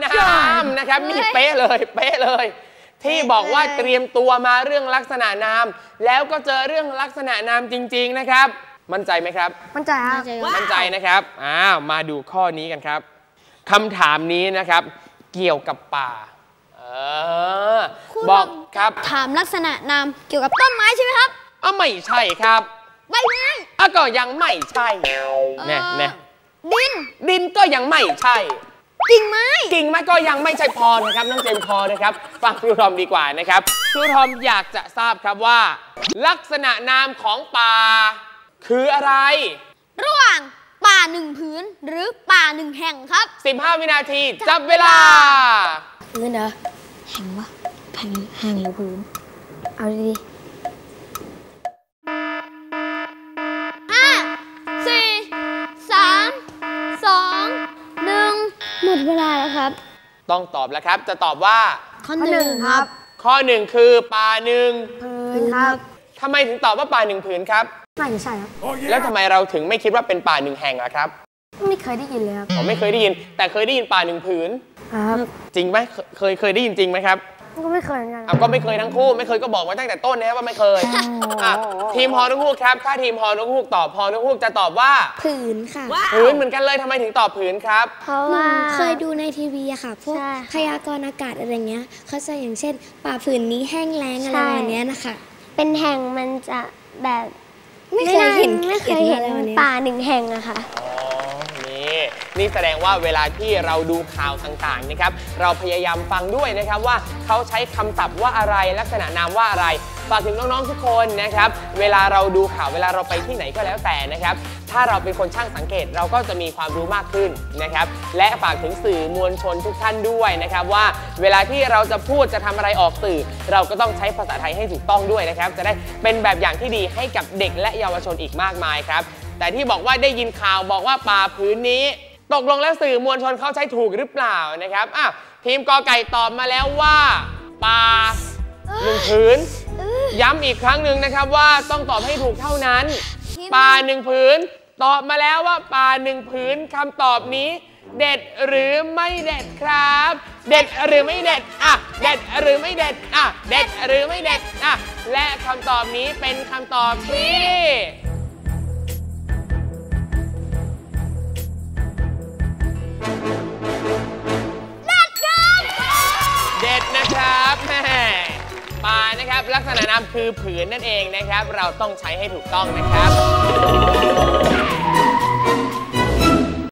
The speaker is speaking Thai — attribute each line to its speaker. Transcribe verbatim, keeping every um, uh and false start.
Speaker 1: น้ำนะครับนี่เป๊ะเลยเป๊ะเลยที่บอกว่าเตรียมตัวมาเรื่องลักษณะนามแล้วก็เจอเรื่องลักษณะนามจริงๆนะครับมั่นใจไหมครับ
Speaker 2: มั่นใจครับ
Speaker 1: มั่นใจนะครับอ้าวมาดูข้อนี้กันครับคำถามนี้นะครับเกี่ยวกับป่าเออบอกครับ
Speaker 2: ถามลักษณะนามเกี่ยวกับต้นไม้ใช่ไหมครับ
Speaker 1: อ๋อไม่ใช่ครับ
Speaker 2: ใบไม้
Speaker 1: อ่ะก็ยังไม่ใช่เนี่ยเนี่ย
Speaker 2: ดิน
Speaker 1: ดินก็ยังไม่ใช่
Speaker 2: กิ่งไม้
Speaker 1: กิ่งไม้ก็ยังไม่ใช่พอนะครับน้องเจมพอนะครับฟังครูทอมดีกว่านะครับครูทอมอยากจะทราบครับว่าลักษณะนามของป่าคืออะไร
Speaker 2: ระหว่างป่าหนึ่งผืนหรือป่าหนึ่งแห่งครับ
Speaker 1: สิบห้าวินาทีจับเวลา
Speaker 2: พื้นเหรอแห่งวะแห่งแห่งหรือพื้นเอาดีห้าสี่สามสองหนึ่งหมดเวลาแล้วครับ
Speaker 1: ต้องตอบแล้วครับจะตอบว่า
Speaker 2: ข้อหนึ่งครับ
Speaker 1: ข้อหนึ่งคือป่าหนึ่ง
Speaker 2: ผืนครับ
Speaker 1: ทำไมถึงตอบว่าป่าหนึ่งผืนครับ
Speaker 2: น่าจะใช่ครับ
Speaker 1: แล้วทำไมเราถึงไม่คิดว่าเป็นป่าหนึ่งแห่งล่ะครับ
Speaker 2: ไม่เคยได้ยินเลยครับ
Speaker 1: ผมไม่เคยได้ยินแต่เคยได้ยินป่าหนึ่งผืน
Speaker 2: ครับ
Speaker 1: จริงไหมเคยเคยได้ยินจริงไหมครับ
Speaker 2: ก็ไม่เคยเหมือนกัน
Speaker 1: ก็ไม่เคยทั้งคู่ไม่เคยก็บอกไว้ตั้งแต่ต้นนะครับว่าไม่เคยทีมฮอนกฮูกครับถ้าทีมฮอนกฮูกตอบฮอนกฮูกจะตอบว่า
Speaker 2: ผืนค่ะ
Speaker 1: ผืนเหมือนกันเลยทำไมถึงตอบผืนครับ
Speaker 2: เพราะว่าเคยดูในทีวีอะค่ะพวกพยากรณ์อากาศอะไรเงี้ยเขาจะอย่างเช่นป่าผืนนี้แห้งแล้งอะไรแบบนี้นะคะ
Speaker 3: เป็นแห่งมันจะแบบ
Speaker 2: ไม่เคยเห็น
Speaker 3: ไม่เคยเห็นป่าหนึ่งแห่งอะค่ะ
Speaker 1: อ๋อนี่นี่แสดงว่าเวลาที่เราดูข่าวต่างๆนะครับเราพยายามฟังด้วยนะครับว่าเขาใช้คำศัพท์ว่าอะไรลักษณะนามว่าอะไรฝากถึงน้องๆทุกคนนะครับเวลาเราดูข่าวเวลาเราไปที่ไหนก็แล้วแต่นะครับถ้าเราเป็นคนช่างสังเกตเราก็จะมีความรู้มากขึ้นนะครับและฝากถึงสื่อมวลชนทุกท่านด้วยนะครับว่าเวลาที่เราจะพูดจะทำอะไรออกสื่อเราก็ต้องใช้ภาษาไทยให้ถูกต้องด้วยนะครับจะได้เป็นแบบอย่างที่ดีให้กับเด็กและเยาวชนอีกมากมายครับแต่ที่บอกว่าได้ยินข่าวบอกว่าป่าพื้นนี้ตกลงแล้วสื่อมวลชนเขาใช้ถูกหรือเปล่านะครับอ่ะทีมกอไก่ตอบมาแล้วว่าป่าหนึ่งผืนย้ำอีกครั้งหนึ่งนะครับว่าต้องตอบให้ถูกเท่านั้นป่าหนึ่งผืนตอบมาแล้วว่าป่าหนึ่งผืนคำตอบนี้เด็ดหรือไม่เด็ดครับเด็ดหรือไม่เด็ดอ่ะเด็ดหรือไม่เด็ดอ่ะเด็ดหรือไม่เด็ดอ่ะและคำตอบนี้เป็นคำตอบที่เด็ดนะครับแม่ป่านะครับลักษณะนามคือผืนนั่นเองนะครับเราต้องใช้ให้ถูกต้องนะครับ